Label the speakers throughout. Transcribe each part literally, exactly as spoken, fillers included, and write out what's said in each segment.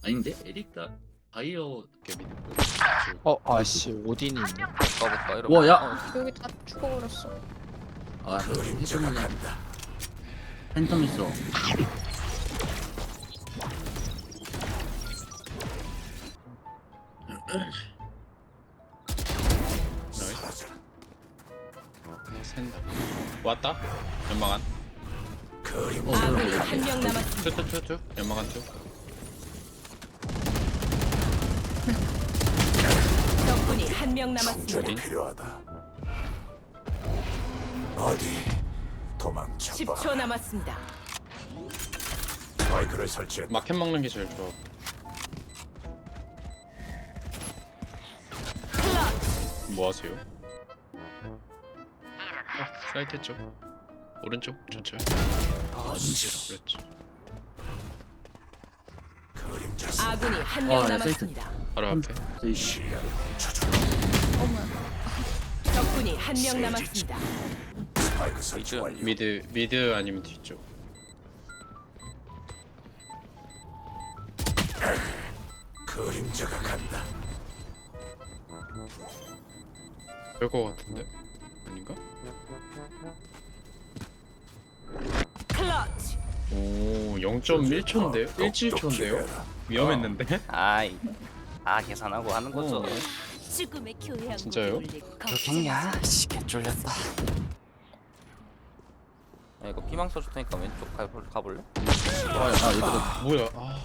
Speaker 1: 아닌데? 에릭다 바이오
Speaker 2: 개미.
Speaker 3: 어 아씨 오딘이 있네.
Speaker 4: 가볼까 이러면.
Speaker 1: 와, 야!
Speaker 4: 어,
Speaker 5: 여기 다 죽어버렸어.
Speaker 1: 아 팬텀이 팬텀 있어.
Speaker 2: 나이스. 샌다. 왔다. 연막안.
Speaker 1: 어
Speaker 6: 아군이
Speaker 1: 그래
Speaker 6: 한 명 남았습니다.
Speaker 2: 투투투투. 연막안 투.
Speaker 6: 적군이 한 명 남았습니다.
Speaker 2: 어디?
Speaker 7: 필요하다. 어디 도망쳐
Speaker 6: 십
Speaker 7: 봐.
Speaker 6: 초 남았습니다.
Speaker 7: 스파이크를 설치했다.
Speaker 2: 마켓 먹는 게 제일 좋아. 뭐 하세요? 어, 사이트 쪽. 오른쪽 전체.
Speaker 7: 언제로
Speaker 2: 그렇지.
Speaker 7: 그림자 속
Speaker 6: 아군이 한 명
Speaker 1: 아, 야,
Speaker 6: 남았습니다.
Speaker 2: 바로 앞에.
Speaker 1: 저희
Speaker 7: 시야를 훔쳐줘.
Speaker 5: 어머.
Speaker 6: 적군이 한 명 남았습니다.
Speaker 7: 스파이크 설치
Speaker 2: 미드
Speaker 7: 완료.
Speaker 2: 미드 미드 아니면 뒤쪽.
Speaker 7: 그림자가 간다.
Speaker 2: 별거 같은데? 아닌가?
Speaker 6: 클러치.
Speaker 2: 오, 영 점 일 초인데요?
Speaker 7: 어,
Speaker 2: 일 칠 초인데요?
Speaker 7: 똑똑히
Speaker 2: 위험했는데?
Speaker 4: 아이. 아 계산하고 하는 거죠.
Speaker 2: 어.
Speaker 6: 죽음의 교양.
Speaker 2: 진짜요?
Speaker 4: 그렇겠냐? 씨 개쫄렸다. 야, 이거 피망 써줄 테니까 왼쪽 가볼, 가볼래?
Speaker 1: 아 얘들아
Speaker 2: 뭐야? 아.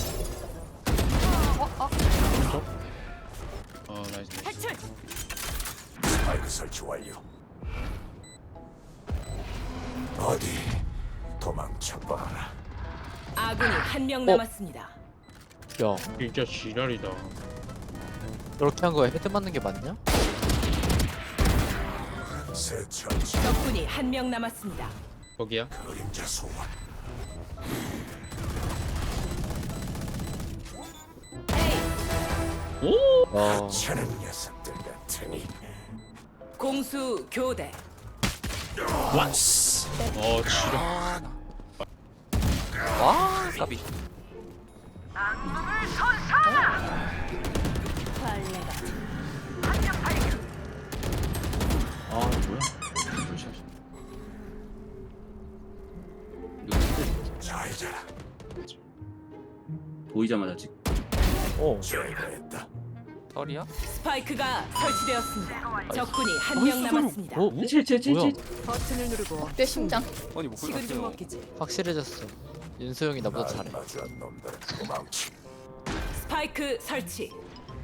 Speaker 5: 어, 어.
Speaker 2: 오른쪽? 아, 나이스. 나이스.
Speaker 6: 탈출.
Speaker 7: 스파이크 설치 완료. 어디 도망쳐 봐라.
Speaker 6: 아군이 한 명
Speaker 3: 어.
Speaker 6: 남았습니다.
Speaker 3: 야
Speaker 2: 진짜 지랄이다.
Speaker 3: 이렇게 한 거에 헤드 맞는 게 맞냐?
Speaker 7: 새 처치
Speaker 6: 적군이 한 명 남았습니다.
Speaker 2: 거기야?
Speaker 7: 그림자 소환.
Speaker 2: 오!
Speaker 3: 와
Speaker 7: 차는 녀석들 같으니
Speaker 6: 공수 교대.
Speaker 2: 완스. 어, 지랄.
Speaker 4: 아, 나. 와 까비.
Speaker 1: 아 뭐야? 이거
Speaker 7: 잘 자라.
Speaker 1: 보이자마자 찍.
Speaker 3: 어.
Speaker 7: 제거했다.
Speaker 4: 털이야?
Speaker 6: 스파이크가 설치되었습니다. 적군이 한 명 남았습니다.
Speaker 3: 어?
Speaker 1: 칠칠칠칠.
Speaker 3: 뭐야?
Speaker 6: 버튼을 누르고
Speaker 5: 내 심장.
Speaker 4: 아니 뭐
Speaker 6: 식은 좀
Speaker 4: 그러세요?
Speaker 6: 먹기지.
Speaker 3: 확실해졌어. 윤수 형이 나보다
Speaker 7: 날
Speaker 3: 잘해.
Speaker 7: 마주한 놈들 도망치.
Speaker 6: 스파이크 설치.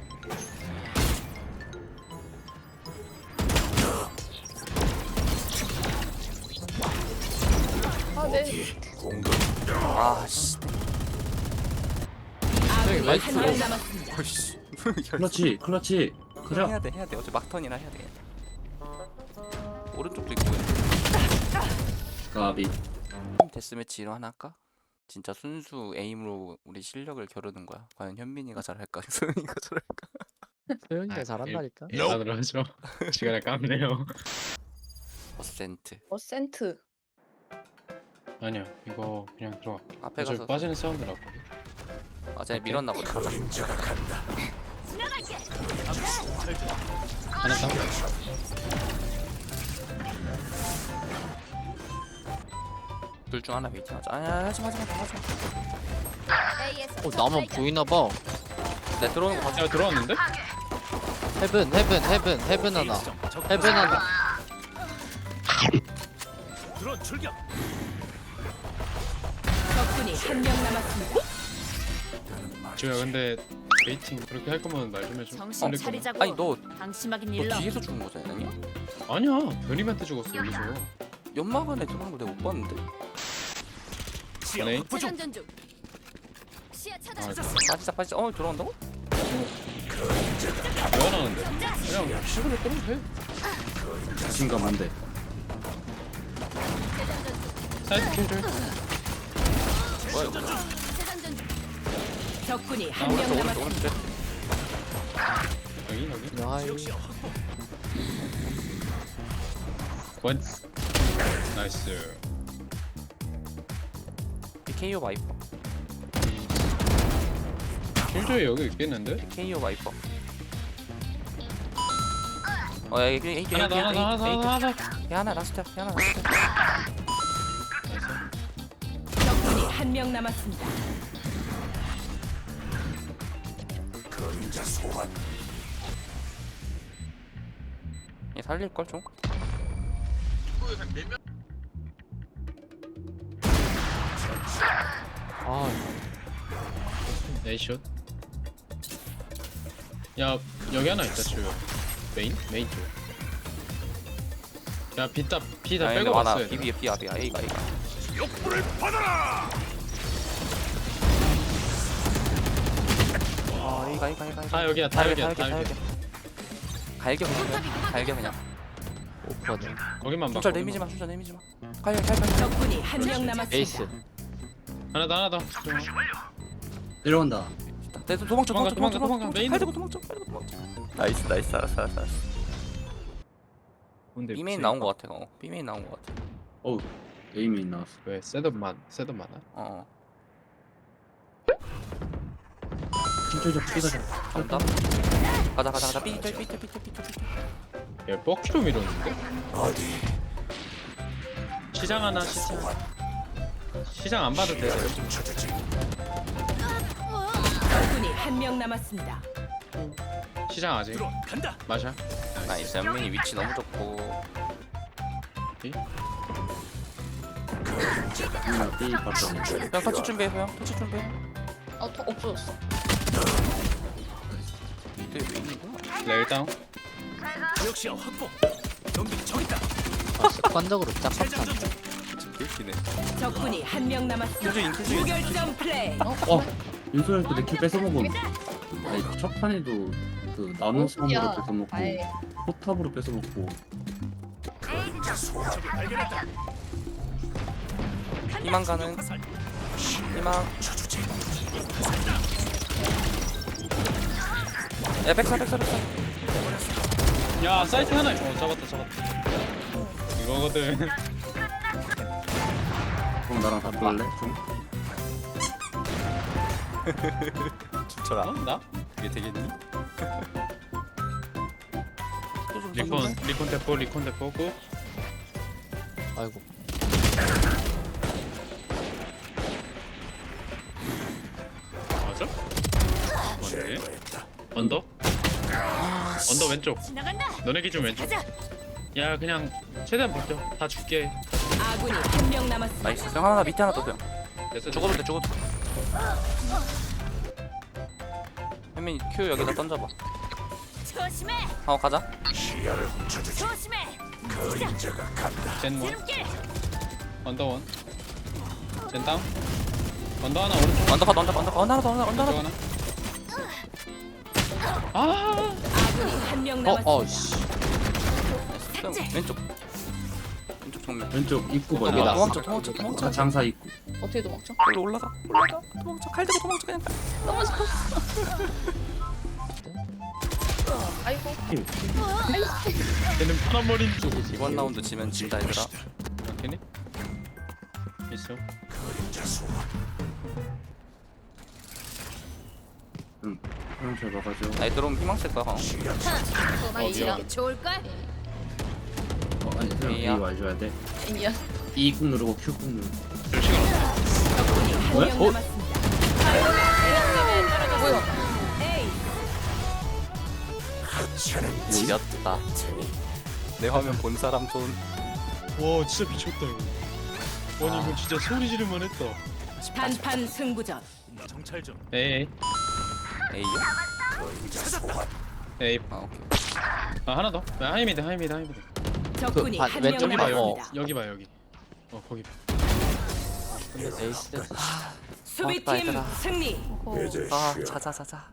Speaker 5: 아, 내
Speaker 7: 공격.
Speaker 4: 아씨.
Speaker 6: 아군이
Speaker 3: 나이스.
Speaker 6: 한 명 남았습니다.
Speaker 4: 어이씨.
Speaker 1: 클러치 클러치. 그래.
Speaker 4: 해야 돼 해야 돼. 어차피 막턴이라 해야 돼. 오른쪽도 있고.
Speaker 1: 가비.
Speaker 4: 데스매치 이런 하나 할까? 진짜 순수 에임으로 우리 실력을 겨루는 거야. 과연 현민이가 잘할까? 소영이가 잘할까?
Speaker 3: 소영이가 잘한다니까.
Speaker 2: 예상을 하죠. 시간을 깝네요.
Speaker 4: 어센트.
Speaker 5: 어 센트.
Speaker 2: 아니야, 이거 그냥 들어가.
Speaker 4: 앞에
Speaker 2: 어차피
Speaker 4: 가서
Speaker 2: 빠지는 사운드 나거든.
Speaker 4: 아 쟤네 밀었나 보다.
Speaker 7: 그림자가 간다.
Speaker 2: 하나 다운.
Speaker 4: 둘 중 하나 웨이팅하자. 아니야 하지마 하지마 하지마.
Speaker 3: 어 나만 보이나 봐.
Speaker 4: 내 들어오는 거 봐줘.
Speaker 2: 야, 들어왔는데?
Speaker 3: 헤븐 헤븐 헤븐 헤븐 하나. 헤븐 하나.
Speaker 6: 적군이 한 명 남았습니다.
Speaker 2: 지우야, 근데 웨이팅 그렇게 할 거면 말 좀 해줘.
Speaker 6: 정신
Speaker 2: 걸릴 거면.
Speaker 6: 차리자고.
Speaker 4: 아니 너,
Speaker 6: 방심하긴
Speaker 4: 너
Speaker 6: 일러.
Speaker 4: 뒤에서 죽은 거잖아 아니야?
Speaker 2: 아니야, 변이한테 죽었어 여기서.
Speaker 4: 연막 안에 들어오는 거 내가 못 봤는데.
Speaker 2: 연예인?
Speaker 6: 재장전 중. 시야 차단.
Speaker 2: 아,
Speaker 4: 빠지자 빠지자. 어 들어온다고?
Speaker 2: 뭐 하나는데? 그냥 시그널 끌면 돼.
Speaker 1: 자신감 한데.
Speaker 2: 사이드 킬줄.
Speaker 4: 뭐야 이거?
Speaker 6: 적군이
Speaker 4: 아,
Speaker 6: 한 명
Speaker 4: 오른쪽 오른쪽
Speaker 6: 남았습니다.
Speaker 4: 오른쪽.
Speaker 2: 여기 여기.
Speaker 3: 야이.
Speaker 2: 원스. 나이스.
Speaker 4: 케이오 바이퍼.
Speaker 2: 킬조이 여기 있겠는데?
Speaker 4: 케이오 와이퍼. 어, 야, 이게 이게
Speaker 2: 하나 더 하나 더 하나 더 하나 더.
Speaker 4: 야, 하나 라스트야. 야, 하나 라스트.
Speaker 6: 적군이 한 명 남았습니다.
Speaker 7: 그림자 소환.
Speaker 4: 얘 살릴 걸 좀.
Speaker 3: 아
Speaker 2: 에이슛. 야 여기 하나 있다 주요. 메인 메인 쪽. 야 비다 비다 빼고
Speaker 4: 하나
Speaker 2: 왔어야 돼.
Speaker 4: 비비에 비야 비야 A가 A가.
Speaker 7: 욕불을 받아라.
Speaker 4: 아, A가 A가 A가.
Speaker 2: 다 여기야 다 여기야 다
Speaker 4: 다
Speaker 2: 여기야.
Speaker 4: 여기야. 갈겨 그냥. 갈겨 그냥.
Speaker 3: 오퍼는
Speaker 2: 거기만 봐.
Speaker 4: 숫자 내미지 마. 숫자 내미지 마. 갈겨 갈겨. 갈겨.
Speaker 6: 적군이 한 명 남았습니다.
Speaker 3: 에이스.
Speaker 2: 하나 더 하나 더.
Speaker 1: 내려온다.
Speaker 4: 내 도망쳐
Speaker 2: 도망가,
Speaker 4: 도망쳐
Speaker 2: 도망가,
Speaker 4: 도망쳐
Speaker 2: 도망가. 메인
Speaker 4: 칼 들고 도망쳐 칼 들고 도망쳐. 나이스 나이스 알았어 알았어 알았어.
Speaker 2: 근데
Speaker 4: B메인 나온 거 같아. 어. B메인 나온 거 같아.
Speaker 1: 어우 에임이 나왔어.
Speaker 2: 왜 셋업만 셋업 많아?
Speaker 4: 어.
Speaker 1: 킬조이적 피가자.
Speaker 4: 간다. 가자 가자 가자. 삐 삐 삐 삐 삐 삐.
Speaker 2: 얘 뻑키로 밀었는데?
Speaker 7: 어디?
Speaker 2: 시장 하나 시장. 시장 안 봐도 돼.
Speaker 7: 찾았지.
Speaker 6: 적군이 한 명 남았습니다.
Speaker 2: 시장 아직.
Speaker 7: 간다.
Speaker 2: 마샤.
Speaker 4: 나이스. 연민이 위치 너무 좋고.
Speaker 1: 누나 삐 봤다.
Speaker 4: 형 터치 준비해 형. 터치 준비해.
Speaker 5: 어, 더 없어졌어.
Speaker 4: 이때 왜 있는구나.
Speaker 2: 레일 다운.
Speaker 7: 역시 확보. 경비 저기다.
Speaker 3: 아, 습관적으로 짝박한.
Speaker 4: 개웃기네.
Speaker 6: 적군이 한 명 남았습니다.
Speaker 4: 킬조인 킬조인.
Speaker 6: 무결점 플레이.
Speaker 1: 어 윤소연도 내 킬 뺏어 먹음. 아니 첫 판에도 그 나노 섬으로
Speaker 5: 야,
Speaker 1: 뺏어 먹고
Speaker 5: 아이.
Speaker 1: 포탑으로 뺏어 먹고.
Speaker 7: 그림자 소환. 적이 발견했다.
Speaker 4: 희망 가는. 희망.
Speaker 7: 쳐주지.
Speaker 4: 야 백사 백사 백사.
Speaker 2: 야 사이트 하나. 어 잡았다 잡았다. 이거거든.
Speaker 1: 그럼 나랑 바꿀래? 좀?
Speaker 4: 춤춰라.
Speaker 2: 어? 나?
Speaker 4: 이게 되겠니?
Speaker 2: 리콘 리콘 대포 리콘 대포고.
Speaker 3: 아이고.
Speaker 2: 맞아? 뭔데?
Speaker 7: 제거했다.
Speaker 2: 언더? 언더 왼쪽. 너네 기준 왼쪽. 야 그냥 최대한 버텨. 다 줄게.
Speaker 6: 아군이 한 명 남았습니다.
Speaker 4: 나이스. 형 하나 밑에 하나 더 형.
Speaker 2: 됐어.
Speaker 4: 죽어도 돼 죽어도 돼. 현민이 Q 여기다 던져봐.
Speaker 6: 조심해.
Speaker 4: 하고 가자.
Speaker 7: 시야를 훔쳐주지.
Speaker 6: 조심해.
Speaker 7: 그림자가 간다.
Speaker 2: 젠 원. 언더 원. 젠 다운. 언더 하나 오른쪽.
Speaker 4: 언더컷 언더컷 언더컷 언더 하나 더 언더 언더
Speaker 2: 언더
Speaker 4: 하나 더.
Speaker 2: 하나. 아.
Speaker 6: 아군이 한 명
Speaker 3: 어,
Speaker 6: 남았습니다.
Speaker 3: 어, 씨.
Speaker 4: 형, 왼쪽. 왼쪽 정면.
Speaker 1: 왼쪽 입구
Speaker 3: 여기다.
Speaker 1: 벌려.
Speaker 4: 도망쳐 도망쳐 도망쳐.
Speaker 1: 아, 장사 입구.
Speaker 5: 어떻게 도망쳐?
Speaker 4: 여기로 올라가. 올라가. 도망쳐. 칼 들고 도망쳐 그냥.
Speaker 5: 너무 싶어. 아이고.
Speaker 2: 얘는 파란 머리인 쪽.
Speaker 4: 이번 라운드 지면 진다 얘들아.
Speaker 2: 걔네? 있어.
Speaker 7: 그림자 소환.
Speaker 1: 응. 형 잘 막아줘.
Speaker 4: 나이 들어오면 희망 쓸 거야. 형.
Speaker 7: 시야
Speaker 2: 어디야?
Speaker 6: 좋을걸?
Speaker 1: 어, 아니 형 A
Speaker 4: A야.
Speaker 1: 와줘야 돼.
Speaker 5: 미안.
Speaker 1: E 꾹 누르고 Q 꾹 누르.
Speaker 2: 줄 시간 없어.
Speaker 6: 적군이 한
Speaker 1: 뭐야?
Speaker 6: 명
Speaker 1: 어?
Speaker 6: 남았습니다.
Speaker 5: 뭐야?
Speaker 6: 에이.
Speaker 7: 하찮은
Speaker 4: 지렸다. 내 화면 본 사람 손.
Speaker 2: 와 진짜 미쳤다 이거. 아니 이거 진짜 소리 지르만 했다.
Speaker 6: 단판 승부전.
Speaker 7: 정찰 좀.
Speaker 2: 에이
Speaker 4: A요?
Speaker 7: 그림자 소환.
Speaker 2: 에이.
Speaker 4: 아 오케이.
Speaker 2: 아 하나 더. 야, 하이미드 하이미드 하이미드.
Speaker 6: 적군이
Speaker 3: 그,
Speaker 6: 한
Speaker 3: 반-
Speaker 6: 명
Speaker 2: 여기 봐
Speaker 3: 왼쪽이
Speaker 2: 여기.
Speaker 6: 남았습니다.
Speaker 2: 여기 봐 여기. 어 거기. 봐.
Speaker 3: 에이스.
Speaker 6: 수비팀
Speaker 4: 얘들아.
Speaker 6: 승리.
Speaker 5: 어.
Speaker 7: 이제
Speaker 4: 아
Speaker 7: 쉬어.
Speaker 4: 자자 자자.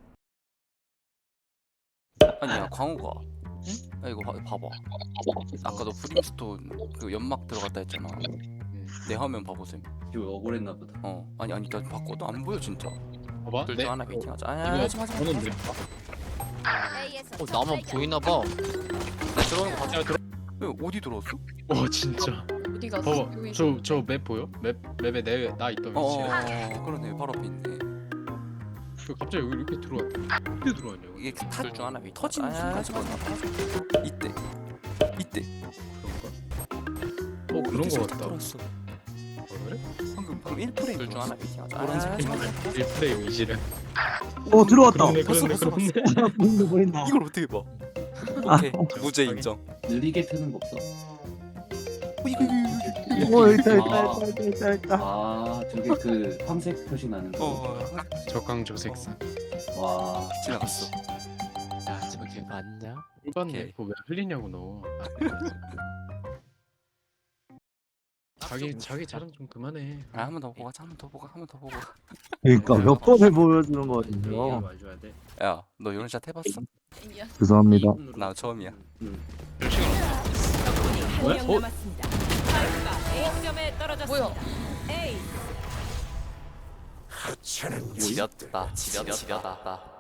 Speaker 4: 아니야 광우가. 야 이거 봐, 봐봐. 아까 너 프림스톤 그 연막 들어갔다 했잖아. 내 화면 봐보셈.
Speaker 1: 이거 억울했나 보다.
Speaker 4: 어 아니 아니 나 바꿔도 안 보여 진짜.
Speaker 2: 봐봐.
Speaker 4: 둘
Speaker 2: 네.
Speaker 4: 중 하나 베이팅하자. 아니
Speaker 2: 이거
Speaker 4: 아니 하지 마.
Speaker 2: 저는 돼.
Speaker 3: 어, 나만 보이나봐.
Speaker 4: 나 들어오는 거 봤어.
Speaker 2: 야 들어.
Speaker 4: 왜 어디 들어왔어?
Speaker 2: 와 진짜.
Speaker 5: 어디 갔어?
Speaker 2: 봐봐.
Speaker 5: 여기
Speaker 2: 저 저 맵 보여? 맵 맵에 내 나 있던
Speaker 4: 어,
Speaker 2: 위치에.
Speaker 4: 어 그러네 바로 앞에 있네.
Speaker 2: 갑자기 여기 이렇게 들어왔다. 어떻게 들어왔냐고.
Speaker 4: 이게 타줄 줄 하나 위 터지는
Speaker 3: 아,
Speaker 4: 순간 이때 이때
Speaker 2: 어 그런 거 같다.
Speaker 4: 돌았어.
Speaker 2: 어, 그래?
Speaker 4: 방금 방금 일 프레임 줄줄 하나 미팅하자. 노란색
Speaker 3: 아,
Speaker 2: 일 프레임 이지를.
Speaker 8: 어 들어왔다.
Speaker 2: 그렇네
Speaker 4: 봤어,
Speaker 2: 그렇네
Speaker 4: 봤어,
Speaker 2: 그렇네.
Speaker 8: 보인다 보인다.
Speaker 4: 이걸 어떻게 봐?
Speaker 8: 아,
Speaker 4: 오케이 무죄 인정.
Speaker 1: 느리게 트는 거 없어?
Speaker 4: 어, 이거 이거 이거
Speaker 8: 어 있다
Speaker 1: 아.
Speaker 8: 있다 있다 있다 있다.
Speaker 1: 아 저게 그 황색 표시 나는
Speaker 4: 이거.
Speaker 1: 거.
Speaker 4: 어
Speaker 2: 적강조색상.
Speaker 1: 와.
Speaker 4: 지나갔어.
Speaker 3: 야 저게 맞냐?
Speaker 2: 꿀봤네.
Speaker 4: 오케이.
Speaker 2: 그거 왜 흘리냐고 너. 아, 자기 자기 자랑 좀 그만해.
Speaker 4: 아, 한 번 더 보고 가자. 한 번 더 보고 한 번 더 보고.
Speaker 8: 그러니까 몇 번을 보여주는
Speaker 1: 이거
Speaker 8: 거예요.
Speaker 1: 와줘야 돼.
Speaker 4: 야, 너 이런 샷 해봤어?
Speaker 5: 미안.
Speaker 8: 죄송합니다.
Speaker 4: 나 처음이야.
Speaker 1: 응.
Speaker 2: 몇 시간
Speaker 6: 적군이
Speaker 2: 뭐야?
Speaker 6: 한 명
Speaker 2: 어?
Speaker 6: 남았습니다. 스파이크가 A점에 떨어졌습니다.
Speaker 5: 뭐야?
Speaker 6: A
Speaker 7: 하찮은
Speaker 4: 지렸다. 지렸다. 지렸다.